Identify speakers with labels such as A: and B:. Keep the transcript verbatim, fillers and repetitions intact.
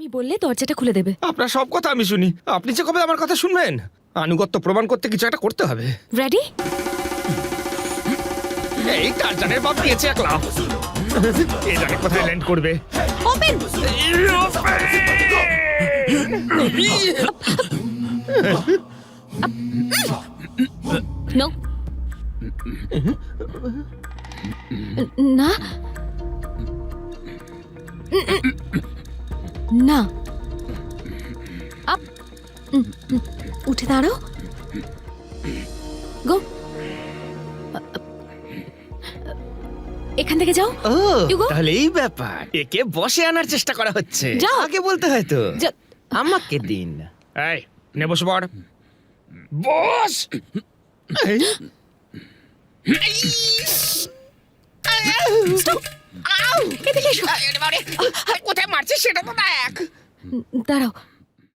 A: বললে দরজাটা খুলে দেবে।
B: আপনার সব কথা আমি শুনি, আপনি যে কবে আমার কথা শুনবেন? আনুগত্য প্রমাণ করতে কিছু একটা করতে হবে।
A: রেডি?
B: এই টারজানের বাপ দিয়েছে এক লাফ, এ জানে কোথায় ল্যান্ড করবে।
A: ওপেন। নো, না না, আপ, উঠে দাঁড়াও, গো, এখান থেকে যাও।
B: ও
A: You go.
B: তাহলে এই ব্যাপার, একে বসে আনার চেষ্টা করা হচ্ছে।
A: যাও।
B: আগে বলতে হয় তো।
A: যা-
B: আমাকে দিন। এই নে বসে পড়, বস।
A: Stop! এদিকে এসো।
B: কোথায় মারছিস সেটা তো দেখ।
A: দাঁড়াও,